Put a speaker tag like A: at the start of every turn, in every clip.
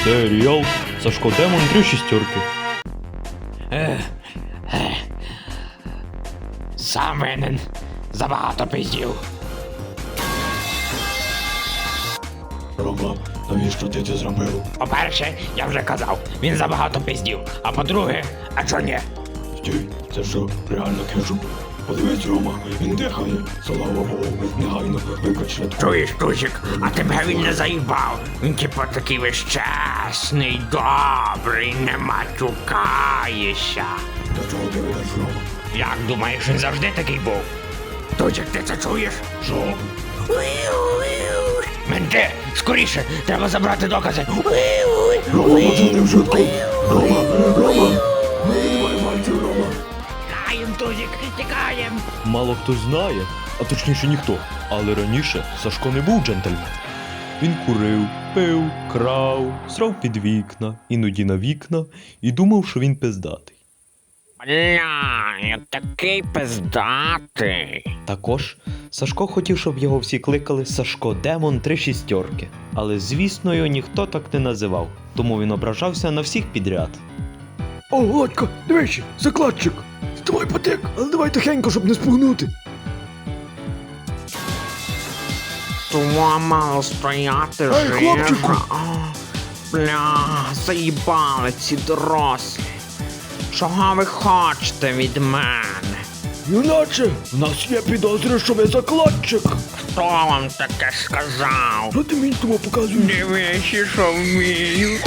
A: Серіал Сашко Демон 3 шістерки.
B: Сам винен. Забагато пиздів.
C: Рома, навіщо ти це зробив?
B: По-перше, я вже казав, він забагато пиздів. А по-друге, а чо ні?
C: Стій, це що, реально кетчуп? Подивись, Рома, він дихає. Слава Богу, негайно викач швидко.
B: Чуєш, Тусик, а тебе він не заїбав. Він типу такий весь чесний, добрий, не матюкаєшся.
C: До чого ти ведеш, Рома?
B: Як думаєш, він завжди такий був? Тусик, ти це чуєш?
C: Що?
B: Менте, скоріше, треба забрати докази.
C: Рома, пацани, в швидку! Рома! Давай пальців, Рома!
B: Тікаєм, Тузик, тікаєм.
A: Мало хто знає, а точніше ніхто. Але раніше Сашко не був джентльмен. Він курив, пив, крав, срав під вікна, іноді на вікна і думав, що він пиздатий.
B: Бля, я такий пиздатий.
A: Також Сашко хотів, щоб його всі кликали Сашко Демон 3 шістерки. Але, звісно, його ніхто так не називав, тому він ображався на всіх підряд.
C: О, Володька, дивись, закладчик! Давай потек, але давай тихенько, щоб не спугнути.
B: Тума мало стояти,
C: Ей,
B: жирна.
C: хлопчику!
B: Бля, заїбали ці дорослі. Чого ви хочете від мене?
C: Юначе, в нас є підозри, що ви закладчик.
B: Хто вам таке сказав?
C: Що ти мені тому показуєш?
B: Дивись, що вмію.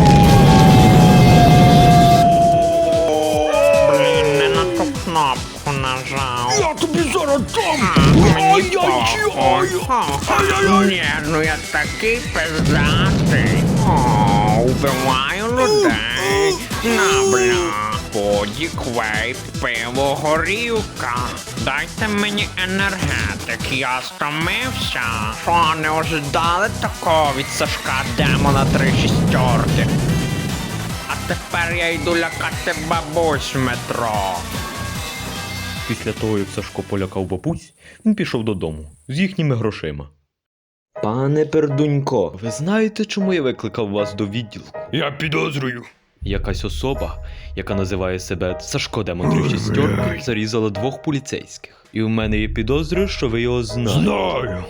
B: Блін, не на ту кнопку нажав.
C: Я тобі зараз дам!
B: Мені похуй. Ні, ну я такий пиздатий. О, убиваю людей. На, бля. Подік, вейп, пиво, горілка. Дайте мені енергетик, я стомився. Що, не ожидали такого від Сашка Демона 3 шістерки? А тепер я йду лякати бабусь в метро.
A: Після того, як Сашко полякав бабусь, він пішов додому з їхніми грошима. Пане Пердунько, ви знаєте, чому я викликав вас до відділку?
C: Я підозрюю.
A: Якась особа, яка називає себе Сашко Демон 3 шістерки, зарізала 2 поліцейських. І у мене є підозри, що ви його знаєте.
C: Знаю.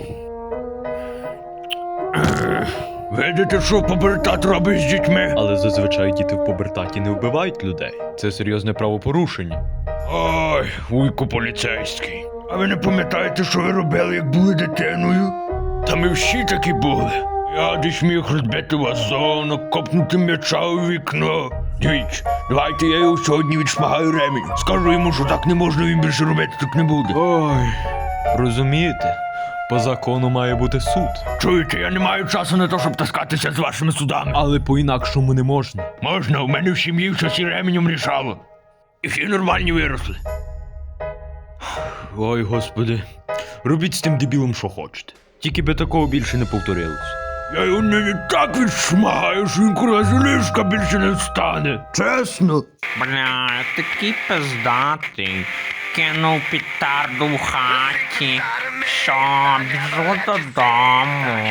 C: Видите, що побертат робить з дітьми?
A: Але зазвичай діти в пубертаті не вбивають людей. Це серйозне правопорушення.
C: Ой, вуйку поліцейський. А ви не пам'ятаєте, що ви робили, як були дитиною? Та ми всі такі були. Я десь міг розбити вазонок, копнути м'яча у вікно. Дивіться, давайте я його сьогодні відшмагаю ремінь. Скажу йому, що так не можна, він більше робити так не буде.
A: Ой, розумієте? По закону має бути суд.
C: Чуєте, я не маю часу на те, щоб таскатися з вашими судами.
A: Але по-інакшому не можна.
C: Можна, у мене в сім'ї щось і ременем рішало. І всі нормальні виросли.
A: Ой, господи. Робіть з тим дебілом, що хочете. Тільки би такого більше не повторилось.
C: Я його не так відшмагаю, що він курва з ліжка більше не встане. Чесно.
B: Бля, я такий пиздатий. Кинув петарду в хаті. Що, біжу додому.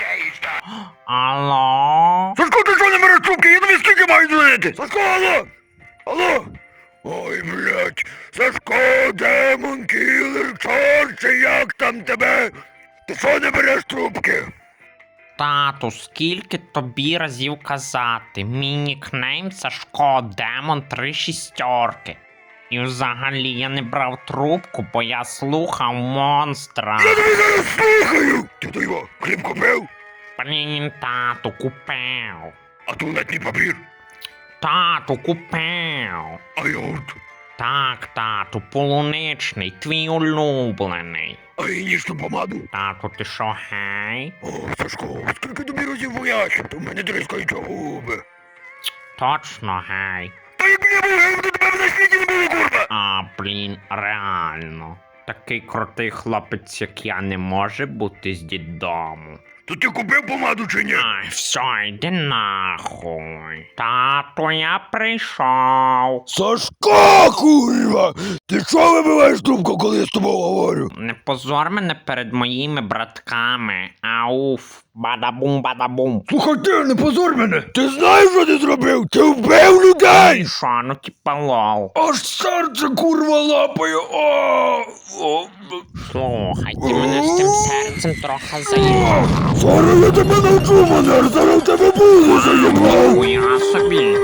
B: Алло?
C: Сашко, ти що не береш трубки? Я тобі скільки маю дзвонити? Сашко, алло! Алло! Ой, блядь! Сашко, демон, кілер, чорт, чи як там тебе? Ти що не береш трубки?
B: Тату, скільки тобі разів казати? Мій нікнейм Сашко Демон 3 шістерки. І взагалі я не брав трубку, бо я слухав монстра.
C: Я тобі зараз слухаю! Ти то його хліб купив?
B: Блін, тату, купив.
C: А туалетний папір?
B: Тату, купив.
C: А йогурт?
B: Так, тату, полуничний, твій улюблений.
C: А гігієнічну помаду?
B: Тату, ти що, гей?
C: О, Сашко, скільки тобі разів поясню, то в мене тріскаються губи.
B: Точно, гей.
C: Та як я був гей, то тебе на світі не було, курва!
B: А, блін, реально. Такий крутий хлопець, як я, не може бути з дідому.
C: То ти купив помаду чи ні?
B: Ай, все, йди нахуй. Тато, я прийшов.
C: Сашко, курва! Ти що вибиваєш трубку, коли я з тобою говорю?
B: Не позор мене перед моїми братками. Ауф. Бадабум-бадабум.
C: Слухай ти, не позор мене! Ти знаєш, що ти зробив? Ти вбив людей!
B: І що, ну типа лол.
C: Аж серце курва лапає! О!
B: Слухай, ти мене з тим серцем трохи заїбав.
C: Зараз я тебе навчу, манер! Зараз в тебе буде заїбав!
B: Хуя собі.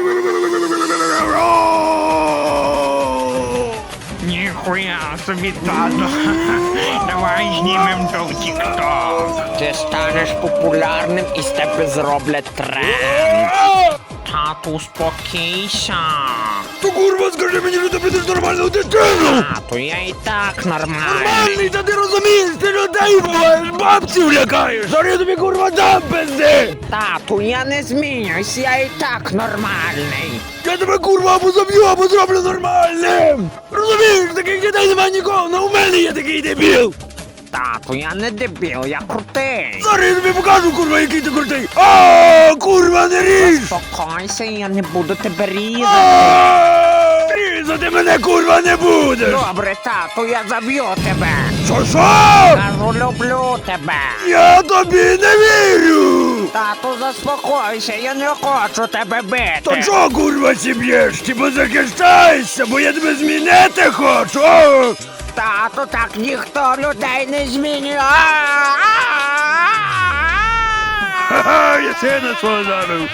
B: Ніхуя собі, тато. Давай знімем то в тік-ток. Ти станеш популярним і з тебе зроблять тренд. Тату, успокійся.
C: То курва, скажи мені, що ти будеш нормальну дитину!
B: Тату, я і так нормальний.
C: Нормальний, та ти розумієш, ти людей вбиваєш, бабців лякаєш! Зараз я тобі курва дам пизди!
B: Тату, я не змінююсь, я і так нормальний.
C: Я тебе курва або заб'ю, або зроблю нормальним! Розумієш, таких дітей немає нікого, але у мене є такий дебіл!
B: Тату, я не дебіл, я крутий.
C: Зараз я тобі покажу, курва, який ти крутий! А, курва, не ріж!
B: Спокойся, я не буду тебе різати.
C: А, різати мене, курва, не будеш!
B: Добре, тату, я заб'ю тебе.
C: Що?
B: Кажу, люблю тебе.
C: Я тобі не вірю!
B: Тату, заспокойся, я не хочу тебе бити.
C: То чого, курва, сі б'єш? Типа захищайся, бо я тебе змінити хочу! О!
B: Тату, так ніхто людей не змінює.
C: Ха-ха, я сина свого забив!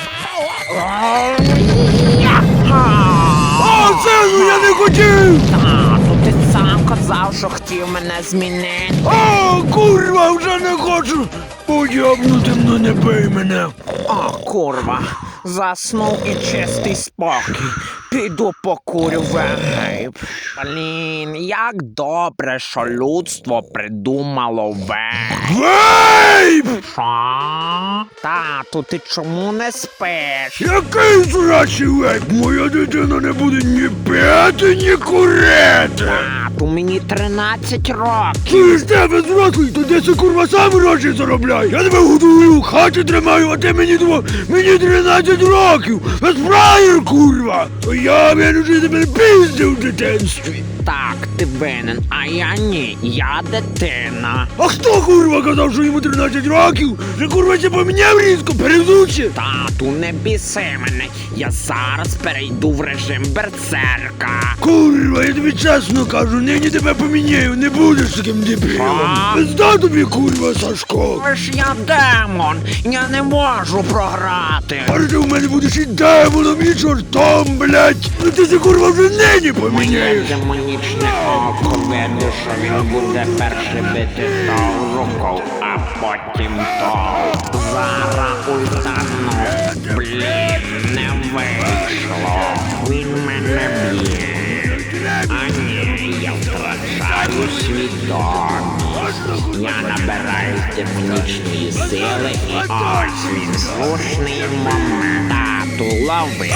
C: О, сину, я не хотів!
B: Тату, ти сам казав, що хотів мене змінити.
C: О, курва, вже не хочу! Уйобнути, ну не бий мене!
B: О, курва, заснув і чистий спокій. Піду покурю вейп. Блін, як добре, що людство придумало вейп.
C: Вейп!
B: Що? Тату, ти чому не спиш?
C: Який зрачий вейп? Моя дитина не буде ні п'яти, ні курити!
B: Тату, мені 13 років.
C: Ти ж тебе зрослий, то де це курва сам гроші заробляй? Я тебе годую, в хаті тримаю, а ти мені 13 років! Безправір, курва! То я винужу тебе пиздив в дитинстві!
B: Так, ти винен, а я ні, я дитина.
C: А хто курва казав, що йому 13 років? Вже курва ще поміняв різко, перезуче!
B: Тату, не біси мене, я зараз перейду в режим берсерка.
C: Курва, я тобі чесно кажу, нині тебе поміняю, не будеш таким дебілом.
B: А?
C: Пизда тобі, курва, Сашко.
B: Але ж я демон, я не можу програти.
C: А ти в мене будеш і демоном, і чортом, блядь. Ну ти це, курва, вже нині поміняєш.
B: Демонічне око видно, що він буде перше бити ту руку, а потім то. Зараз ультану. Блін, не вийшло. Він мене б'є. А ні, я втрачаю свідомість. Я набираю демонічної сили і ось він слушний момент. Тату, лови.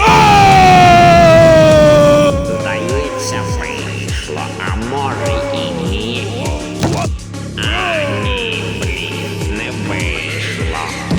B: Здається, вийшло, а може і ні. А ні, блін, не вийшло.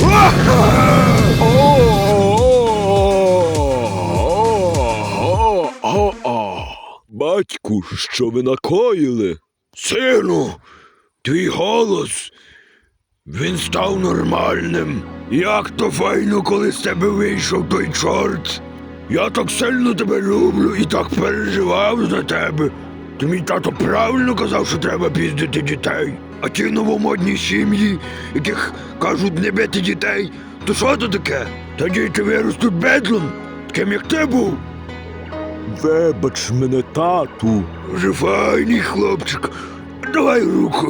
C: Батьку, що ви накоїли? Сину, твій голос, він став нормальним. Як то файно, коли з тебе вийшов той чорт. Я так сильно тебе люблю і так переживав за тебе. То мій тато правильно казав, що треба піздити дітей. А ті новомодні сім'ї, яких кажуть не бити дітей, то що то таке? Та діти виростуть бедлом, таким як ти був. Вибач мене, тату. Вже файний хлопчик. Давай руку.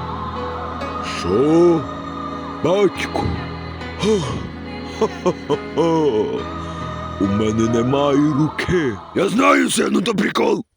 C: Що? Батьку? У мене немає руки. Я знаю, сину, то прикол.